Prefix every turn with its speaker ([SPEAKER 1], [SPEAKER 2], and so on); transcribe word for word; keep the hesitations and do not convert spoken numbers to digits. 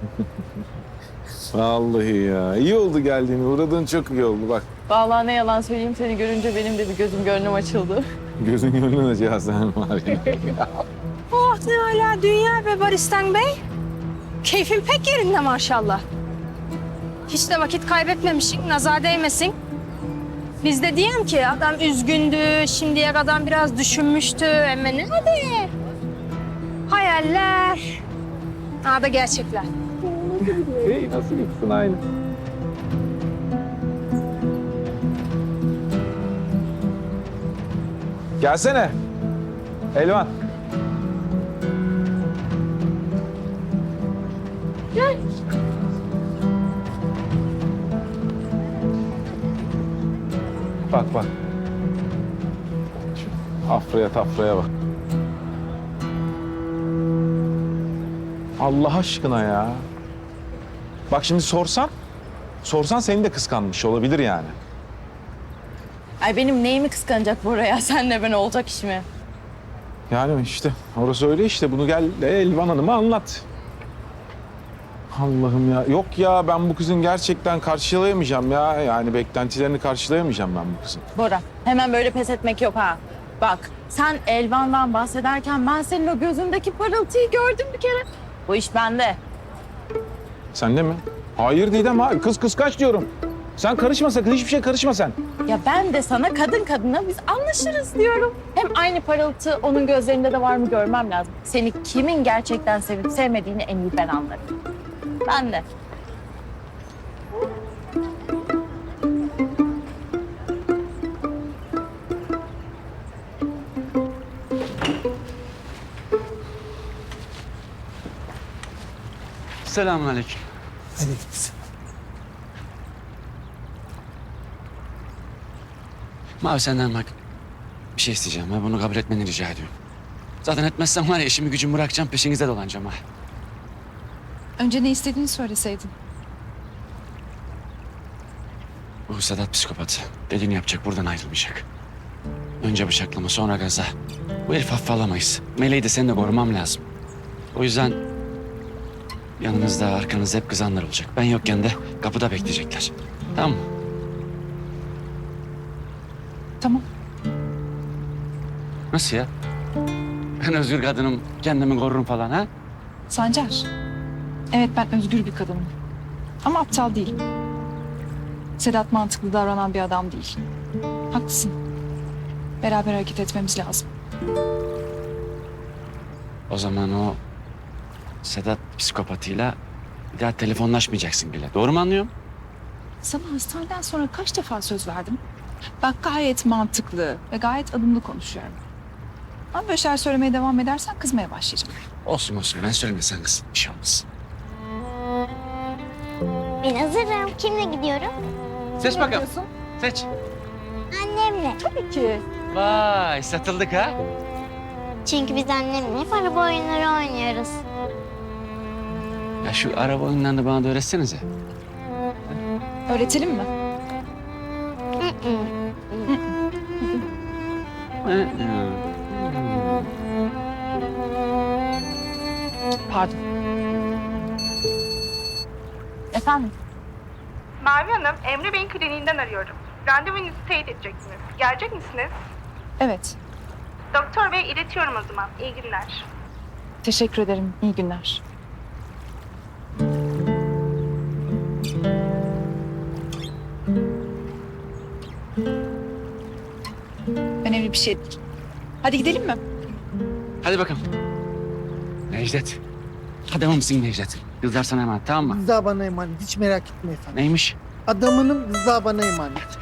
[SPEAKER 1] Vallahi ya. İyi oldu geldiğin. Uğradığın çok iyi oldu bak.
[SPEAKER 2] Vallahi ne yalan söyleyeyim, seni görünce benim de bir gözüm gönlüm açıldı.
[SPEAKER 1] Gözün gönlün acı sen var ya.
[SPEAKER 3] Oh ne hala dünya be Baristan Bey. Keyfin pek yerinde maşallah. Hiç de vakit kaybetmemişsin, nazar değmesin. Biz de diyelim ki adam üzgündü, şimdiye kadar biraz düşünmüştü. Ama ne hadi? Hayaller. Ha da gerçekler.
[SPEAKER 1] Hey nasıl gitsin aynı? Gelsene. Elvan.
[SPEAKER 2] Gel.
[SPEAKER 1] Bak bak. Şu afraya tafraya bak. Allah aşkına ya. Bak şimdi sorsan, sorsan seni de kıskanmış olabilir yani.
[SPEAKER 2] Ay benim neyimi kıskanacak Bora ya? Senle ben olacak iş mi?
[SPEAKER 1] Yani işte orası öyle işte. Bunu gel Elvan Hanım'a anlat. Allah'ım ya. Yok ya ben bu kızın gerçekten karşılayamayacağım ya. Yani beklentilerini karşılayamayacağım ben bu kızın.
[SPEAKER 2] Bora, hemen böyle pes etmek yok ha. Bak, sen Elvan'dan bahsederken ben senin o gözündeki parıltıyı gördüm bir kere. Bu iş bende.
[SPEAKER 1] Sen de mi? Hayır Didem ha. Kız kıskaç diyorum. Sen karışma sakın. Hiçbir şey karışma sen.
[SPEAKER 2] Ya ben de sana kadın kadına biz anlaşırız diyorum. Hem aynı parıltı onun gözlerinde de var mı görmem lazım. Seni kimin gerçekten sevip sevmediğini en iyi ben anlarım. Ben de.
[SPEAKER 4] Selamünaleyküm. Mavi senden bak bir şey isteyeceğim. Ha. Bunu kabul etmeni rica ediyorum. Zaten etmezsen var ya işimi gücümü bırakacağım peşinize dolanacağım ha.
[SPEAKER 5] Önce ne istediğini söyleseydin.
[SPEAKER 4] Bu Sedat psikopat. Dediğini yapacak buradan ayrılmayacak. Önce bıçaklama sonra gaza. Bu herif hafife alamayız. Meleği de seni de korumam lazım. O yüzden yanınızda arkanızda hep kızanlar olacak. Ben yokken de kapıda bekleyecekler. Tamam mı?
[SPEAKER 5] Tamam.
[SPEAKER 4] Nasıl ya? Ben özgür kadınım, kendimi korurum falan ha?
[SPEAKER 5] Sancar. Evet ben özgür bir kadınım. Ama aptal değilim. Sedat mantıklı davranan bir adam değil. Haklısın. Beraber hareket etmemiz lazım.
[SPEAKER 4] O zaman o Sedat psikopatıyla bir daha telefonlaşmayacaksın bile. Doğru mu anlıyorum?
[SPEAKER 5] Sana hastaneden sonra kaç defa söz verdim? Bak gayet mantıklı ve gayet adımlı konuşuyorum. Ama böyle şeyler söylemeye devam edersen kızmaya başlayacağım.
[SPEAKER 4] Olsun olsun ben söylemesen kız. Bir şey olmaz.
[SPEAKER 6] Ben hazırım. Kimle gidiyorum?
[SPEAKER 4] Seç bakalım. Seç.
[SPEAKER 6] Annemle.
[SPEAKER 5] Tabii ki.
[SPEAKER 4] Vay satıldık ha.
[SPEAKER 6] Çünkü biz annemle hep araba oyunları oynuyoruz.
[SPEAKER 4] Ya şu araba oyunlarını bana da öğretsenize.
[SPEAKER 5] Öğretelim mi?
[SPEAKER 6] Hı hı.
[SPEAKER 5] Pardon.
[SPEAKER 2] Efendim?
[SPEAKER 7] Mavi Hanım, Emre Bey'in kliniğinden arıyorum. Randevunuzu teyit edeceksiniz. Gelecek misiniz?
[SPEAKER 5] Evet.
[SPEAKER 7] Doktor Bey iletiyorum o zaman. İyi günler.
[SPEAKER 5] Teşekkür ederim. İyi günler. Önemli bir şey değil. Hadi gidelim mi?
[SPEAKER 4] Hadi bakalım. Necdet. Adamı mısın Necdet? Kızlar sana emanet tamam mı?
[SPEAKER 8] Rıza bana emanet. Hiç merak etme efendim.
[SPEAKER 4] Neymiş?
[SPEAKER 8] Adamının Rıza bana emanet.